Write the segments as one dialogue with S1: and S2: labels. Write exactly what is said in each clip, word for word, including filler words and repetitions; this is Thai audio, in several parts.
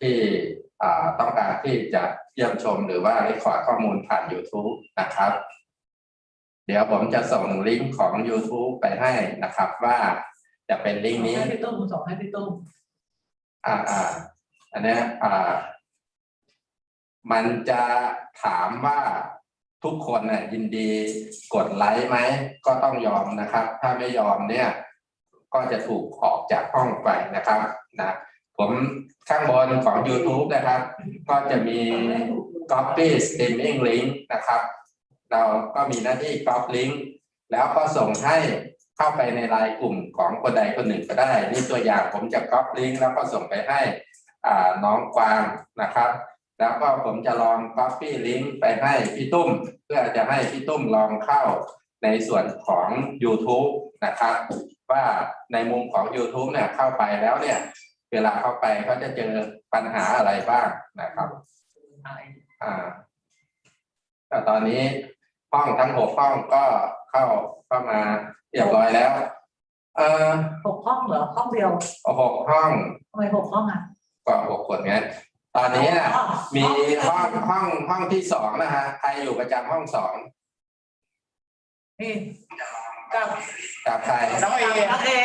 S1: ที่ต้องการที่จะเยี่ยมชมหรือว่าเรคคอร์ดข้อมูลผ่าน YouTube นะครับเดี๋ยวผมจะส่งลิงก์ของ YouTube ไปให้นะครับว่าจะเป็นลิงก์นี้
S2: ให้พี่ตุ้มส่งให้พี่ตุ้ม
S1: อ่าอ่าอันนี้อ่ามันจะถามว่าทุกคนน่ะยินดีกดไลค์ไหมก็ต้องยอมนะครับถ้าไม่ยอมเนี่ยก็จะถูกออกจากห้องไปนะครับนะผมข้างบนของ YouTube นะครับก็จะมี Copy Streaming Link นะครับเราก็มีหน้าที่ Copy Link แล้วก็ส่งให้เข้าไปในไลน์กลุ่มของคนใดคนหนึ่งก็ได้นี่ตัวอย่างผมจะ Copy Link แล้วก็ส่งไปให้อ่าน้องกวางนะครับแล้วก็ผมจะลอง Copy Link ไปให้พี่ตุ้มเพื่อจะให้พี่ตุ้มลองเข้าในส่วนของ YouTube นะครับว่าในมุมของ YouTube เนี่ยเข้าไปแล้วเนี่ยเวลาเข้าไปเขาจะเจอปัญหาอะไรบ้างนะครับอ่าแต่ตอนนี้ห้องทั้งหกห้องก็เข้าเข้ามาเรียบร้อยแล้วเอ่อ
S2: หกห้องเหรอห้องเดียว
S1: หกห้อง
S2: ทำไมหกห้องอ่ะ
S1: ก็หกคนไงตอนนี้นะมีห้องห้องห้องที่สองนะฮะใครอยู่ประจำห้องสอง
S2: นี่กับ
S1: กับใคร
S2: น้องเอน้องเอ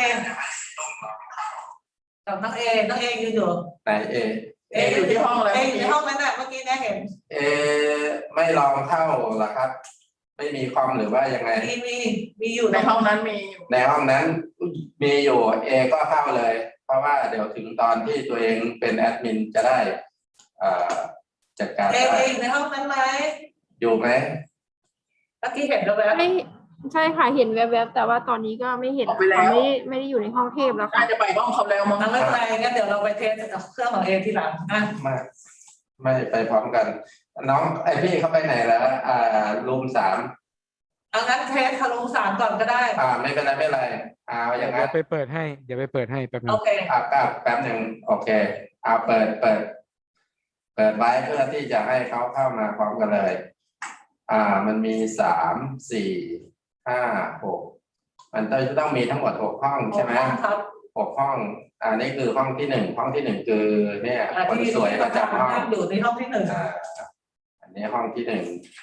S2: กับน้องเอน้องเอยืนอยู่
S1: ไหนเอ
S2: เออยู่ที่ห้องเลยเออยู่ในห้องนั้นแหละเมื่อกี้เนี่ยเห็น
S1: เอไม่ลองเข้าหรอครับไม่มีคอมหรือว่ายังไง
S2: มีมีมีอยู่ในห้องนั้นมี
S1: ในห้องนั้นมีอยู่เอก็เข้าเลยเพราะว่าเดี๋ยวถึงตอนที่ตัวเองเป็นแอดมินจะได้จัดการ
S2: เอเออยู่ในห้องนั้นไหม
S1: อยู่ไหม
S2: เมื่อกี้เห็นแล้วแล้ว
S3: ไม่ใช่ค่ะเห็นแวบๆแต่ว่าตอนนี้ก็ไม่เห็นเขาไม่ไม่ได้อยู่ในห้องเทพแล้วค่ะ
S2: จะไปห้องเขาแล้วมั้งไม่เป็นไรงั้นเดี๋ยวเราไปเทสเครื่องของเอทีหลังนะ
S1: ไม่ไม่ไปพร้อมกันน้องไอพี่เขาไปไหนแล้วอ่ารูมสาม
S2: เอางั้นเทสทะลุสามก่อนก็ได้
S1: อ่าไม่เป็นไรไม่เป็นไรเอาอย่างนั้น
S4: เดี๋ยวไปเปิดให้เดี๋ยวไปเปิดให้แป๊บนึง
S2: โอเค
S1: อ่าแป๊บหนึ่งโอเคเอาเปิดเปิดเปิดไว้เพื่อที่จะให้เขาเข้ามาพร้อมกันเลยอ่ามันมีสามสี่ห้าหกมันจะต้องมีทั้งหมดหกห้องใช่ไหมหกห้องอ่านี่คือห้องที่หนึ่งห้องที่หนึ่งคือเนี่ยคนสวยประจำห้อง
S2: อยู่ในห้องที่หนึ่ง
S1: อ่าอันนี้ห้องที่หนึ่ง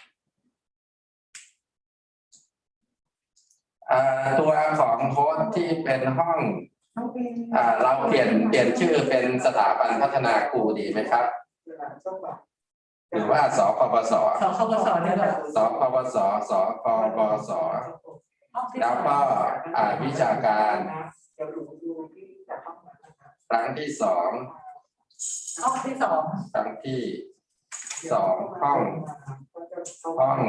S1: อ่าตัวของโค้ดที่เป็นห้องอ่าเราเปลี่ยนเปลี่ยนชื่อเป็นสถาบันพัฒนาครูดีไหมครับหรือว่าสคบส
S2: สคบสเนี่ย
S1: สคบสสคบสแล้วก็อ่าวิชาการครั้งที่สอง
S2: ห้องที่สอง
S1: ครั้งที่สองห้องห้อง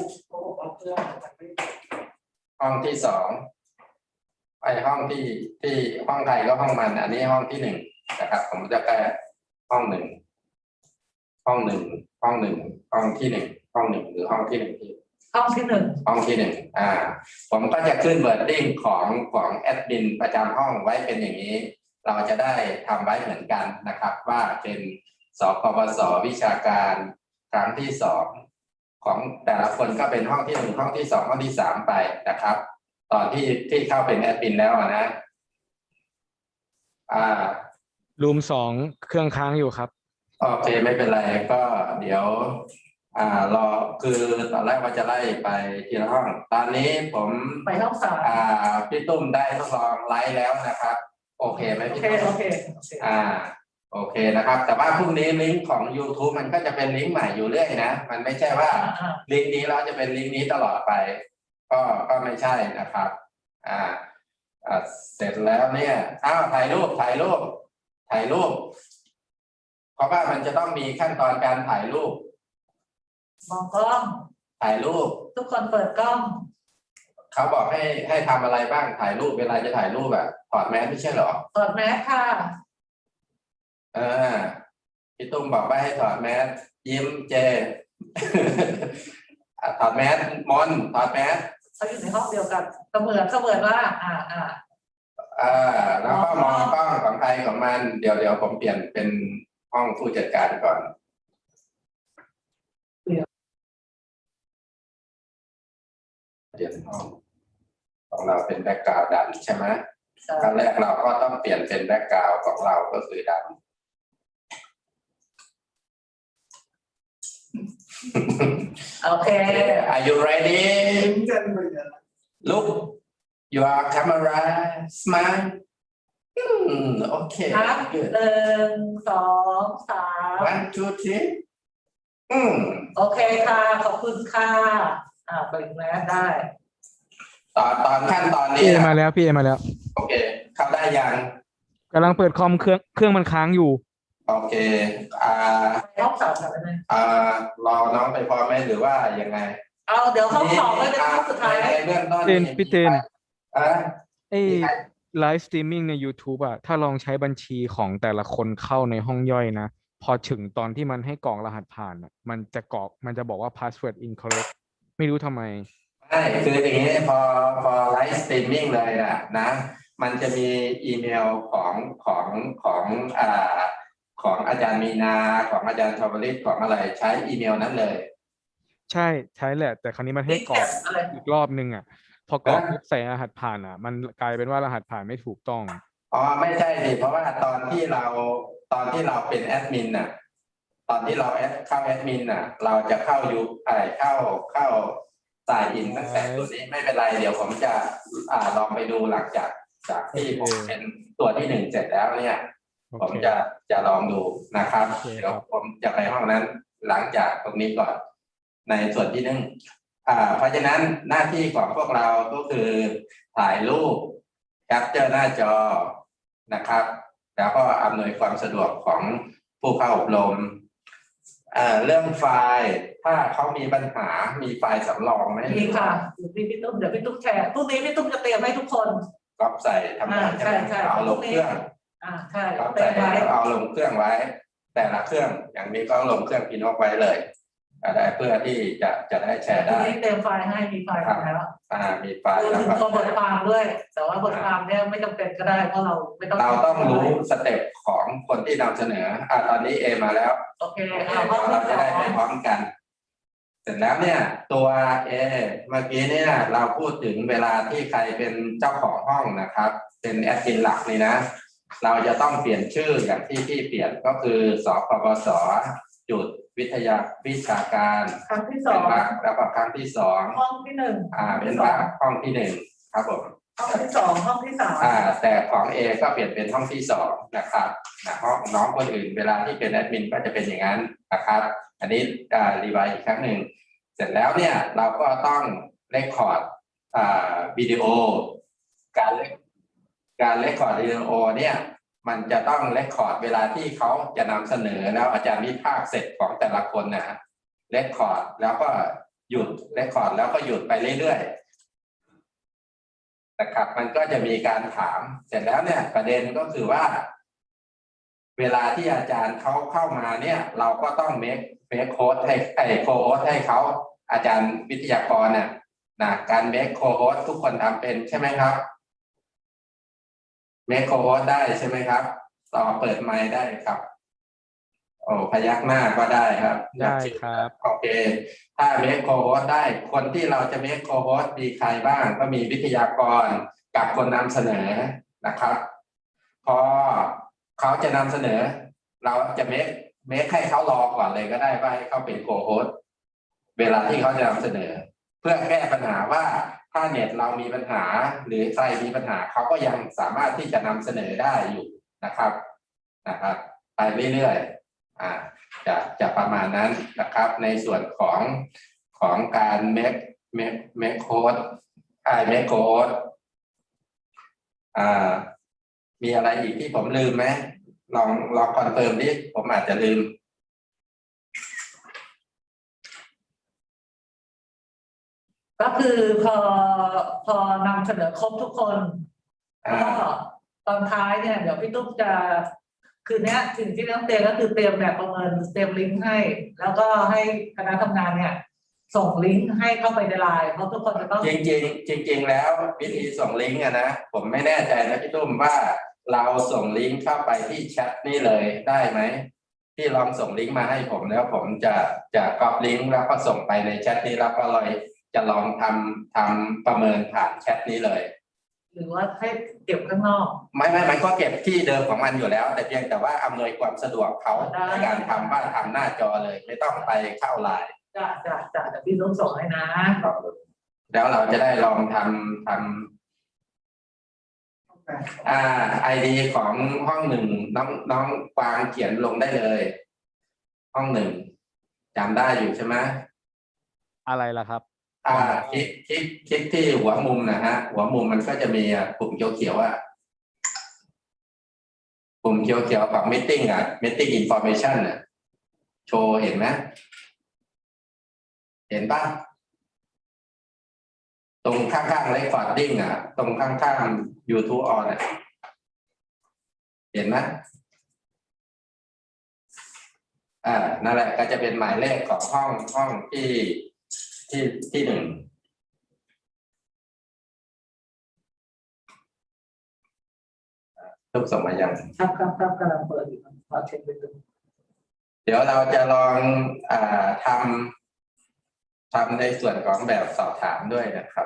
S1: ห้องที่สองไอห้องที่ที่ห้องใครก็ห้องมันอันนี้ห้องที่หนึ่งนะครับผมจะแก้ห้องหนึ่งห้องหนึ่งห้องหนึ่งห้องที่หนึ่งห้องหนึ่งหรือห้องที่หนึ่งที่
S2: ห้องที่หนึ่ง
S1: ห้องที่หนึ่งอ่าผมก็จะขึ้นเวิร์ดดิ้งของของแอดมินประจำห้องไว้เป็นอย่างนี้เราจะได้ทำไว้เหมือนกันนะครับว่าเป็นสคบสวิชาการครั้งที่สองของแต่ละคนก็เป็นห้องที่หนึ่งห้องที่สองห้องที่สามไปนะครับตอนที่ที่เข้าเป็นแอดมินแล้วนะอ่า
S4: รูมสองเครื่องค้างอยู่ครับ
S1: โอเคไม่เป็นไรก็เดี๋ยวอ่ารอคือตอนแรกว่าจะไล่ไปทีละห้องตอนนี้ผม
S2: ไปห้องสาม
S1: อ่าพี่ตุ้มได้ทดลองไลฟ์แล้วนะครับโอเคไหมพี่ตุ้ม
S2: โอเค
S1: อ่าโอเคนะครับแต่ว่าพรุ่งนี้ลิงก์ของ YouTube มันก็จะเป็นลิงก์ใหม่อยู่เรื่อยนะมันไม่ใช่ว่าลิงก์นี้เราจะเป็นลิงก์นี้ตลอดไปก็ก็ไม่ใช่นะครับอ่าอ่าเสร็จแล้วเนี่ยอ้าวถ่ายรูปถ่ายรูปถ่ายรูปเพราะว่ามันจะต้องมีขั้นตอนการถ่ายรูป
S2: มองกล้อง
S1: ถ่ายรูป
S2: ทุกคนเปิดกล้อง
S1: เขาบอกให้ให้ทำอะไรบ้างถ่ายรูปเวลาจะถ่ายรูปแบบถอดแมสไม่ใช่เหรอ
S2: ถอดแมสค่ะ
S1: เออพี่ตุ้มบอกว่าให้ถอดแมสยิ้มเจถอดแมสมอนถอดแมส
S2: เขาอยู่ในห้องเดียวกันเสมือนเสมือนว่าอ่าอ่า
S1: อ่าแล้วก็มองกล้องของใครของมันเดี๋ยวเดี๋ยวผมเปลี่ยนเป็นห้องผู้จัดการก่อนเปลี่ยนห้องของเราเป็นแบ็คกราวด์ดำใช่ไหมขั้นแรกเราก็ต้องเปลี่ยนเป็นแบ็คกราวด์ของเราก็คือด
S2: โอเค
S1: Are you ready? Look, your camera, smile. Hmm, okay,
S2: ครับ
S1: good.
S2: หนึ่งสองสาม
S1: One, two, three. Hmm.
S2: โอเคค่ะ ขอบคุณค่ะ อ่าเปิดแมสได้
S1: ตอนตอนขั้นตอน
S4: พี่
S1: นี้
S4: เอ
S1: นะ
S4: มาแล้วพี่เอมาแล้ว
S1: โอเค เข้าได้ยัง
S4: กำลังเปิดคอมเครื่องเครื่องมันค้างอยู่
S1: โอเค อ่า
S2: ห้องสอบแบบนี้
S1: อ่ารอน้องไปพร้อมไหมหรือว่ายังไง
S2: เอาเดี๋ยวห้องสอบไว้เป็นห้องสุดท้าย
S1: ในเบื้องต้น
S4: เจนพี่เจน
S1: อ่า
S4: ไอ้ไลฟ์สตรีมมิ่งใน YouTube อะถ้าลองใช้บัญชีของแต่ละคนเข้าในห้องย่อยนะ พอถึงตอนที่มันให้กรอกรหัสผ่านอะมันจะกรอกมันจะบอกว่า password incorrect ไม่รู้ทำไม
S1: ใช่คืออย่างนี้พอพอไลฟ์สตรีมมิ่งเลยอะนะ มันจะมีอีเมลของของของอ่าของอาจารย์มีนาของอาจารย์ชวลิตของอะไรใช้อีเมลนั้นเลย
S4: ใช่ใช้แหละ แต่ครั้นี้มันให้กรอก
S2: อะไร
S4: อีกรอบนึงอะพอกรอก
S1: ฮะ
S4: ปุ๊บใส่รหัสผ่านอะมันกลายเป็นว่ารหัสผ่านไม่ถูกต้อง
S1: อ๋อไม่ใช่สิเพราะว่าตอนที่เราตอนที่เราเป็นแอดมินน่ะตอนที่เราแอดเข้าแอดมินน่ะ เราจะเข้ายูไอเข้าเข้าสายอินตั้งแต่ตัวนี้ไม่เป็นไรเดี๋ยวผมจะอ่าลองไปดูหลังจากจากที่ผม
S4: โอเค
S1: เป็นตัวที่หนึ่งเสร็จแล้วเนี่ย
S4: โอ
S1: ผม
S4: เค
S1: จะจะลองดูนะครับ
S4: โอเค
S1: เดี๋ยว
S4: ครับ
S1: ผมจะไปห้องนั้นหลังจากตรงนี้ก่อนในส่วนที่หนึ่งอ่า เพราะฉะนั้นหน้าที่ของพวกเราก็คือถ่ายรูปแคปเจอร์หน้าจอนะครับ แล้วก็อำนวยความสะดวกของผู้เข้าอบรมเอ่อเรื่องไฟล์ถ้าเขามีปัญหามีไฟล์สำรองไหม
S2: มีค่ะเดี๋ยวพี่พี่ตุ้มเดี๋ยวพี่ตุ้มแชร์พรุ่งนี้พี่ตุ้มจะเตรียมให้ทุกคน
S1: ก๊อปใส่ทำงาน
S2: อ่าใช่ใช่
S1: เอาลงเครื่อง
S2: อ่าใช่
S1: ก๊อป
S2: เตรี
S1: ใส่
S2: ยมไว้
S1: แล้วเอาลงเครื่องไว้ แต่ละเครื่องอย่างนี้ก็ลงเครื่องพินอกไว้เลยได้เพื่อที่จะจะได้แชร์
S2: พรุ่
S1: ได้
S2: งนี้เตรียมไฟล์ให้มีไฟล์แล้ว
S1: อ่ามีไฟล์
S2: รวม
S1: แล้ว
S2: ถึง
S1: ก็
S2: ตัวบทความด้วย แต่ว่าบทความเนี่ยไม่จำเป็นก็ได้เพราะเราไม่ต้อง
S1: เราต้องรู้สเต็ปของคนที่นำเสนออ่าตอนนี้เอมาแล้ว
S2: โอเค
S1: โอเค
S2: เอาห้อง
S1: เรา
S2: ที่
S1: จะ
S2: สอ
S1: ได้ไป
S2: ง
S1: พร้อมกัน เสร็จแล้วเนี่ย ตัวเอเมื่อกี้เนี่ยเราพูดถึงเวลาที่ใครเป็นเจ้าของห้องนะครับ เป็นแอดมินหลักนี่นะ เราจะต้องเปลี่ยนชื่ออย่างที่ที่เปลี่ยนก็คือสปปสจุดวิทยาวิชาการ
S2: ครั้งที่สอ
S1: เป็น
S2: ง
S1: วรรคแล้วก็ครั้งที่สอง
S2: ห้องที่หนึ่ง
S1: อ่าเป็นวรรคห้องที่หนึ่งครับผม
S2: ห้องที่สองห้องที่สาม
S1: อ่าแต่ของ A ก็เปลี่ยนเป็นห้องที่สองนะครับนะห้องน้องคนอื่นเวลาที่เป็นแอดมินก็จะเป็นอย่างนั้นนะครับ อันนี้อ่ารีไวซ์อีกครั้งหนึ่งเสร็จแล้วเนี่ยเราก็ต้องเรคคอร์ดอ่าวิดีโอ การเรคการเรคคอร์ดวิดีโอเนี่ยมันจะต้องเรคคอร์ดเวลาที่เขาจะนำเสนอแล้วอาจารย์วิพากษ์เสร็จของแต่ละคนนะเรคคอร์ดแล้วก็หยุดเรคคอร์ดแล้วก็หยุดไปเรื่อยๆ นะครับมันก็จะมีการถามเสร็จแล้วเนี่ยประเด็นก็คือว่า เวลาที่อาจารย์เขาเข้ามาเนี่ย เราก็ต้องเมคเมคโค้ดให้ไอ้โค้ดให้เขาอาจารย์วิทยากรเนี่ยนะการเมคโค้ดทุกคนทำเป็นใช่ไหมครับเมคโค้ดได้ใช่ไหมครับต่อเปิดไมค์ได้ครับ โอ้พยักหน้าก็ได้ครับ
S4: ได้ครับ
S1: โอเค ถ้าเมคโคโฮสได้คนที่เราจะเมคโคโฮสมีใครบ้างก็มีวิทยากรกับคนนำเสนอนะครับ พอเขาจะนำเสนอ เราจะเมคเมคให้เขารอก่อนเลยก็ได้ว่าให้เขาเป็นโคโฮสเวลาที่เขาจะนำเสนอ เพื่อแก้ปัญหาว่าถ้าเน็ตเรามีปัญหาหรือใครมีปัญหาเขาก็ยังสามารถที่จะนำเสนอได้อยู่นะครับนะครับไปเรื่อยๆอ่าจะจะประมาณนั้นนะครับ ในส่วนของของการ make make make code อ่า make code อ่ามีอะไรอีกที่ผมลืมไหมลองลองคอนเฟิร์มดิผมอาจจะลืม
S2: ก็คือพอพอนำเสนอครบทุกคน
S1: อ่า
S2: ก็ตอนท้ายเนี่ยเดี๋ยวพี่ตุ๊กจะคืนนี้สิ่งที่ต้องเตรียมก็คือเตรียมแบบประเมินเตรียมลิงก์ให้ แล้วก็ให้คณะทำงานเนี่ย ส่งลิงก์ให้เข้าไปในไลน์เพราะทุกคนจะต้อง
S1: จริงๆจริง ๆ แล้ววิธีส่งลิงก์อะนะผมไม่แน่ใจนะพี่ตุ้มว่าเราส่งลิงก์เข้าไปที่แชทนี่เลยได้ไหมที่ลองส่งลิงก์มาให้ผมแล้วผมจะจะก๊อปลิงก์แล้วก็ส่งไปในแชทนี้แล้วก็เลยจะลองทำทำประเมินผ่านแชทนี้เลย
S2: หรือว่าให้เก็บข้างนอก
S1: ไม่ไม่มันก็เก็บที่เดิมของมันอยู่แล้ว แต่เพียงแต่ว่าอำนวยความสะดวกเขา
S2: ได้
S1: ในการทำว่าทำหน้าจอเลย ไม่ต้องไปเข้าไลน์
S2: จ้ะจ้ะจ้ะแต่พี่ต้องส่งให้นะ
S1: แล้วเราจะได้ลองทำทำอ่าไอดีของห้องหนึ่งน้องน้องกวางเขียนลงได้เลย ห้องหนึ่งจำได้อยู่ใช่ไหม
S4: อะไรล่ะครับ
S1: อ่าคลิกคลิกคลิกที่หัวมุมนะฮะ หัวมุมมันก็จะมีอ่ะปุ่มเขียวๆอ่ะปุ่มเขียวๆกับ meeting อ่ะ meeting information อ่ะโชว์เห็นไหมเห็นปะตรงข้างๆ recording อ่ะ ตรงข้างๆ YouTube on อ่ะเห็นไหมอ่านั่นแหละก็จะเป็นหมายเลขของห้องห้องที่ที่ที่หนึ่งทุกส่งมายัง
S2: ครับครับครับกำลังเปิดอยู่ขอเช็คไปดู
S1: เดี๋ยวเราจะลองอ่าทำทำในส่วนของแบบสอบถามด้วยนะครับ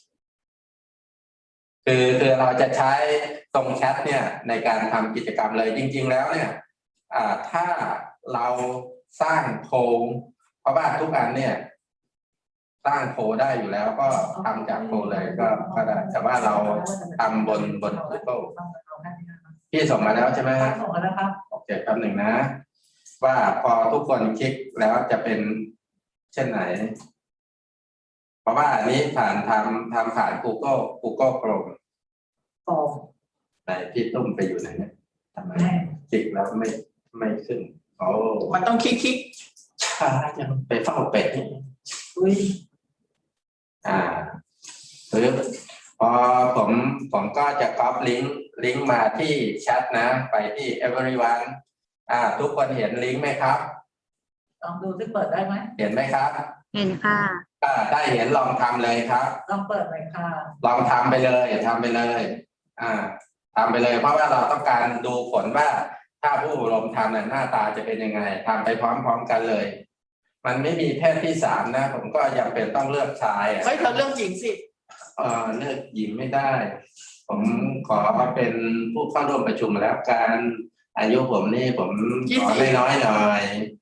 S1: คือคือเราจะใช้ตรงแชทเนี่ยในการทำกิจกรรมเลยจริงๆแล้วเนี่ยอ่าถ้าเราสร้างโพลเพราะว่าทุกอันเนี่ย สร้างโพลได้อยู่แล้วก็ทำจากโพลเลยก็ก็ได้แต่ว่าเราทำบนบน Google พี่ส่งมาแล้วใช่ไหม
S2: ส่งมาแล้วครับ
S1: โอเคแป๊บหนึ่งนะ ว่าพอทุกคนคลิกแล้วจะเป็นเช่นไหน เพราะว่าอันนี้ผ่านทำทำผ่าน Google Google Chrome
S2: ฟอร์ม
S1: ไหนพี่ตุ้มไปอยู่ไหนเนี่ยทำไมคลิกแล้วไม่ไม่ขึ้นโอ้
S5: มันต้องคลิกคลิก
S1: ช้าจังไปเฝ้าเป็ดนี่
S2: อุ้ย
S1: อ่าหรือพอผมผมก็จะก๊อปลิงก์ลิงก์มาที่แชทนะ ไปที่ everyone อ่า ทุกคนเห็นลิงก์ไหมครับ
S2: ลองดูที่เปิดได้ไหม
S1: เห็นไหมครับ
S3: เห็นค่ะ
S1: อ่าได้เห็นลองทำเลยครับ
S2: ลองเปิดหน่อยค่ะ
S1: ลองทำไปเลยทำไปเลย อ่าทำไปเลย เพราะว่าเราต้องการดูผลว่า ถ้าผู้อบรมทำเนี่ยหน้าตาจะเป็นยังไงทำไปพร้อมๆกันเลย มันไม่มีเพศที่สามนะ ผมก็ยังเป็นต้องเลือกชายอ่ะ
S5: เฮ้ยเธอเรื่องหญิงสิ
S1: เออเลือกหญิงไม่ได้ ผมขอเป็นผู้เข้าร่วมประชุมแล้วการอายุผมนี่ผมขอน้อยๆหน่อย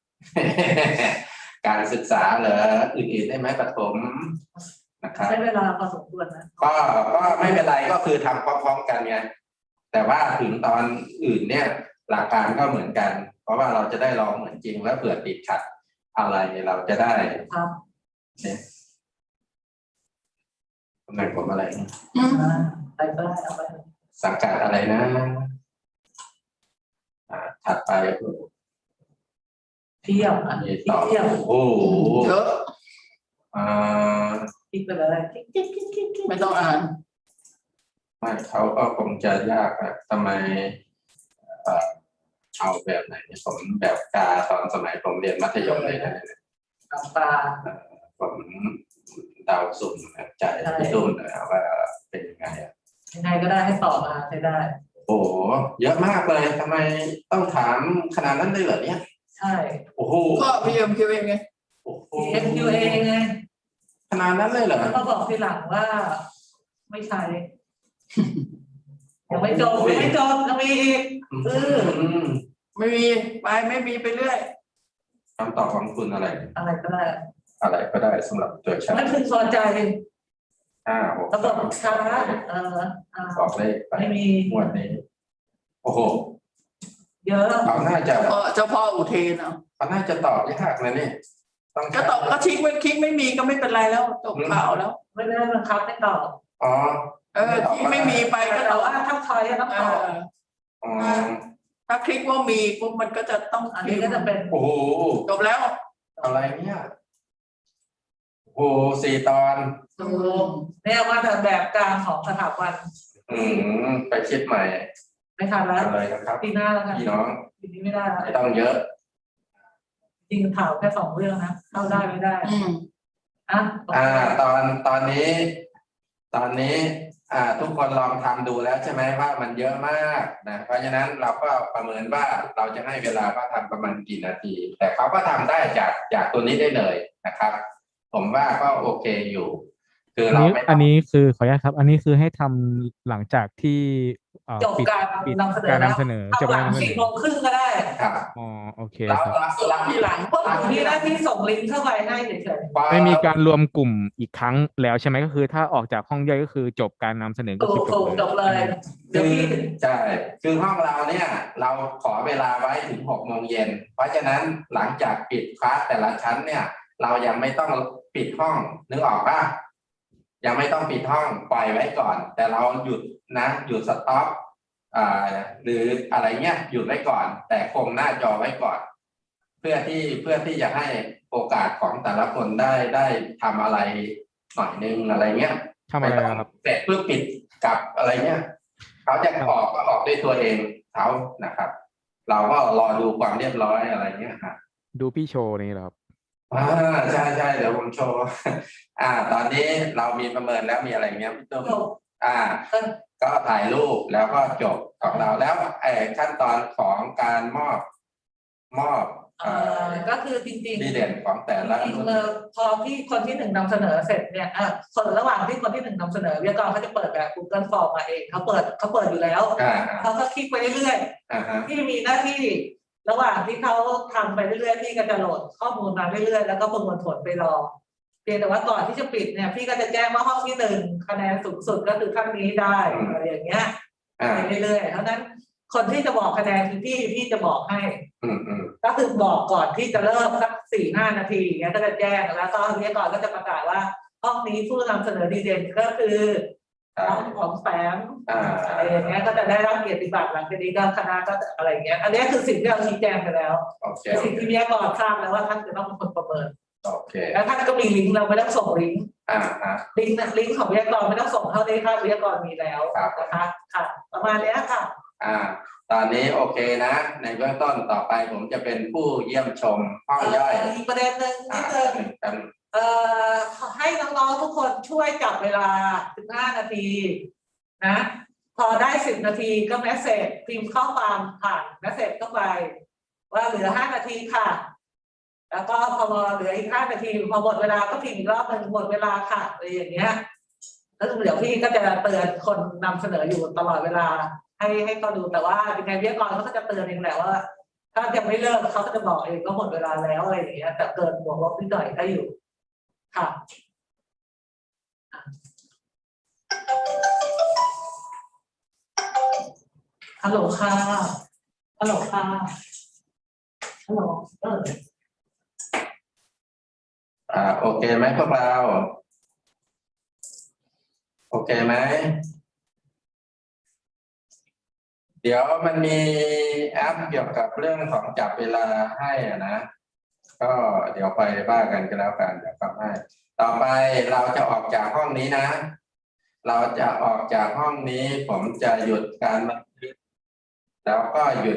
S1: การศึกษาเหรออื่นๆได้ไหมประถมนะครับ
S2: ใช้เวลาพอสมควรนะ
S1: ก็ก็ไม่เป็นไรก็คือทำพร้อมๆกันไงแต่ว่าถึงตอนอื่นเนี่ย หลักการก็เหมือนกัน เพราะว่าเราจะได้ลองเหมือนจริงแล้วเผื่อติดขัดอะไรเราจะได้
S2: ครับ
S1: เนี่ยตำแหน่งผมอะไรนะ
S5: อืม
S2: อ่าไปก็ได้เอาไป
S1: สังกัดอะไรนะอ่าถัดไป
S2: เที่ยวอ่ะ
S1: นี่
S2: ที่
S1: ต่อ
S2: เที่ยว
S1: โอ้โห
S5: เยอะ
S1: อ่า
S2: คลิกไปเลยคลิกคลิกคลิกคลิกคลิก
S5: ไม่ต้องอ่าน
S1: ไม่เขาก็คงจะยากอะทำไมเอ่อเอาแบบไหนเนี่ยผมแบบกาตอนสมัยผมเรียนมัธยมเลยนะ
S2: เอาปลา
S1: ผมเดาสุ่มแบบใจพี่ตุ้มนะว่าเป็นยังไงอ่ะ
S2: ยังไงก็ได้ให้ตอบมาใช้ได้
S1: โอ้โหเยอะมากเลยทำไมต้องถามขนาดนั้นเลยเหรอเนี่ย
S2: ใช่
S1: โอ้โห
S5: ก็ พี เอ็ม คิว เอ ไง
S1: โอ้โห
S2: เอ็ม คิว เอ ไง
S1: ขนาดนั้นเลยเหรอ
S2: แล้วก็บอกทีหลังว่า ไม่ใช่ยังไม่จบยังไม่จบยังมีอีก เออ
S1: ม
S5: ไม่มีไปไม่มีไปเรื่อย
S1: คำตอบของคุณอะไร
S2: อะไรก็ได้
S1: อะไรก็ได้สำหรับตัวฉัน
S2: ไม่พึงพอใจ
S1: ห้าหก
S2: ระบบช้าเอออ่า
S1: บอกเลขไป
S2: ไม่มี
S1: หมวดนี้ โอ้โห
S2: เยอะ
S1: เขาน่าจะ
S5: เออเจ้าพ่ออุเทนเอา
S1: เขาน่าจะตอบยากนะนี่ต้อง
S5: ก็ตอบก็คลิกไม่คลิกไม่มีก็ไม่เป็นไรแล้วจบข่าวแล้ว
S2: ไม่ได้บังคับให้ตอบ
S1: อ๋อ
S5: เออคลิกไม่มีไปก็ต
S2: แต่
S5: อบ
S2: ว่าถ้าทอยต้อง
S5: เอ
S2: ตอบ
S5: อ
S1: อ๋อ
S5: ถ้าคลิกว่ามีปุ๊บมันก็จะต้อง
S2: อันนี้ก็จะเป็น
S1: โอ้โห
S5: จบแล้ว
S1: อะไรเนี่ยโอ้โหสี่ตอน
S2: ตูมเนี่ยว่าแต่แบบกลางของสถาบัน
S1: อืมไปคิดใหม่
S2: ไม่ทันแล้ว
S1: อะไรนะครับ
S2: ปีหน้าแล้วกัน
S1: พี่น้อง
S2: ปีนี้ไม่ได้แล้ว
S1: ไม่ต้องเยอะ
S2: จริงข่าวแค่สองเรื่องนะเข้าได้ไม่ได้
S5: อืม
S2: อ่ะ
S1: อ่า ตอนตอนนี้ ตอนนี้ อ่า ทุกคนลองทำดูแล้วใช่ไหมว่ามันเยอะมากนะเพราะฉะนั้นเราก็ประเมินว่าเราจะให้เวลาเขาทำประมาณกี่นาที แต่เขาก็ทำได้จากจากตัวนี้ได้เลยนะครับ ผมว่าก็โอเคอยู่คือ
S4: อัน
S1: เรา
S4: นี้
S1: ไม่ต้
S4: อั
S1: อน ง
S4: นี้คือขออนุญาตครับ อันนี้คือให้ทำหลังจากที่เอ่อ
S2: จบ
S4: ปิด
S2: การ
S4: ปิด
S2: นำเสนอ
S4: การ
S2: แล้ว
S4: นำเสนอจ
S2: ทำ
S4: บ
S2: ห
S4: กา
S2: ลั
S4: รง นำเสน
S2: สิบ
S4: อ
S2: โมงครึ่งก็ได้
S1: ครับ
S4: อ๋อโอเค
S1: เรา
S4: ครับ
S1: เราเรา
S5: ทีหลัง
S2: พวกหนูมีหน้าที่ส่งลิงก์เข้าไปให้เฉย
S1: พอ
S4: ไม่มีการรวมกลุ่มอีกครั้งแล้วใช่ไหมก็คือถ้าออกจากห้องย่อยก็คือจบการนำเสนอ
S2: ๆ
S4: ก็
S2: ถู
S4: คือก จ
S2: ถู
S4: บ
S2: ก
S4: เลย
S2: จบเลย เดี๋ยว
S1: คือ
S2: พี่
S1: ใช่คือห้องเราเนี่ย เราขอเวลาไว้ถึงหกโมงเย็นเพราะฉะนั้นหลังจากปิดคลาสแต่ละชั้นเนี่ย เรายังไม่ต้องปิดห้องนึกออกป่ะยังไม่ต้องปิดห้องปล่อยไว้ก่อน แต่เราหยุดนะหยุดสต็อปอ่าหรืออะไรเงี้ยหยุดไว้ก่อน แต่คงหน้าจอไว้ก่อน เพื่อที่เพื่อที่จะให้โอกาสของแต่ละคนได้ได้ทำอะไรหน่อยนึงอะไรเงี้ย
S4: ทำอะไรครับ
S1: เสร็จเพื่อปิดกลับอะไรเงี้ยเขาจะออกก็ออกด้วยตัวเองเขานะครับ เราก็รอดูความเรียบร้อยอะไรเงี้ยครับ
S4: ดูพี่โชว์นี่เหรอครับ
S1: อ่าใช่ใช่เดี๋ยวผมโชว์ อ่า ตอนนี้เรามีประเมินแล้วมีอะไรเงี้ยพี่ตุ้ม
S2: จบ
S1: อ่า
S2: เออ
S1: ก็ถ่ายรูปแล้วก็จบของเราแล้วไอ้ขั้นตอนของการมอบ มอบ
S2: เอ่อก็คือจริง
S1: ดีเด่นของแต่ละ
S2: จริง
S1: รุ่น
S2: ๆเออพอที่คนที่หนึ่งนำเสนอเสร็จเนี่ยอ่ะคนระหว่างที่คนที่หนึ่งนำเสนอวิทยากรเขาจะเปิดแบบ Google Form มาเองเขาเปิดเขาเปิดอยู่แล้ว
S1: อ่า
S2: เขาก็คลิกไปเรื่อย
S1: อ่าฮะ
S2: ๆที่มีหน้าที่ระหว่างที่เขาทำไปเรื่อยๆพี่ก็จะโหลดข้อมูลมาเรื่อยๆแล้วก็ประมวลผลไปรอเพียงแต่ว่าก่อนที่จะปิดเนี่ยพี่ก็จะแจ้งว่าห้องที่หนึ่งคะแนนสูงสุดก็คือท่านนี้ได้อะไรอย่างเงี้ย
S1: อ่า
S2: ไปเรื่อยๆเพราะฉะนั้นคนที่จะบอกคะแนนคือพี่พี่จะบอกให้
S1: อืมอืม
S2: ก็คือบอกก่อนที่จะเริ่มสักสี่ห้านาทีอย่างเงี้ยก็จะแจ้งแล้วก็วิทยากรก็จะประกาศว่าห้องนี้ผู้นำเสนอดีเด่นก็คือน้องของแฝง
S1: อ่า
S2: อะไรอย่างเงี้ยก็จะได้รับเกียรติบัตรหลังจากนี้ก็คณะก็จะอะไรอย่างเงี้ยอันนี้คือสิ่งที่เราชี้แจงไปแล้ว
S1: โอเค
S2: เป็นสิ่งที่วิทยากรทราบแล้วว่าท่านจะต้องเป็นคนประเมิน
S1: โอเค
S2: แล้วท่านก็มีลิงก์เราไม่ต้องส่งลิงก์
S1: อ่าฮะ
S2: ลิงก์นะลิงก์ของวิทยากรไม่ต้องส่งเท่านี้ค่ะวิทยากรมีแล้ว
S1: ครับ
S2: นะคะค่ะประมาณเนี้ยค่ะ
S1: อ่า ตอนนี้โอเคนะ ในเบื้องต้นต่อไปผมจะเป็นผู้เยี่ยมชมห้องย่อย
S2: เอีกประเด็นหนึ่ง
S1: อ่า
S2: นิดนึง
S1: หนึ่งกัน
S2: เอ่อให้น้องๆทุกคนช่วยจับเวลาสิบห้านาทีนะ พอได้สิบนาทีก็เมสเซจพิมพ์ข้อความผ่านเมสเซจเข้าไป ว่าเหลือห้านาทีค่ะ แล้วก็พอเหลืออีกห้านาทีพอหมดเวลาก็พิมพ์อีกรอบหนึ่งหมดเวลาค่ะอะไรอย่างเงี้ยแล้วเดี๋ยวพี่ก็จะเตือนคนนำเสนออยู่ตลอดเวลา ให้ให้เขาดูแต่ว่ายังไงวิทยากรเขาก็จะเตือนเองแหละว่า ถ้ายังไม่เลิกเขาก็จะบอกเองก็หมดเวลาแล้วอะไรอย่างเงี้ยแต่เกินบวกลบนิดหน่อยได้อยู่ ค่ะฮัลโหลค่ะฮัลโหลค่ะฮัลโหลเออ
S1: อ่า โอเคไหมพวกเรา โอเคไหม เดี๋ยวมันมีแอปเกี่ยวกับเรื่องของจับเวลาให้อะนะ ก็เดี๋ยวไปบ้ากันก็แล้วกันเดี๋ยวทำให้ ต่อไปเราจะออกจากห้องนี้นะ เราจะออกจากห้องนี้ผมจะหยุดการบันทึกแล้วก็หยุด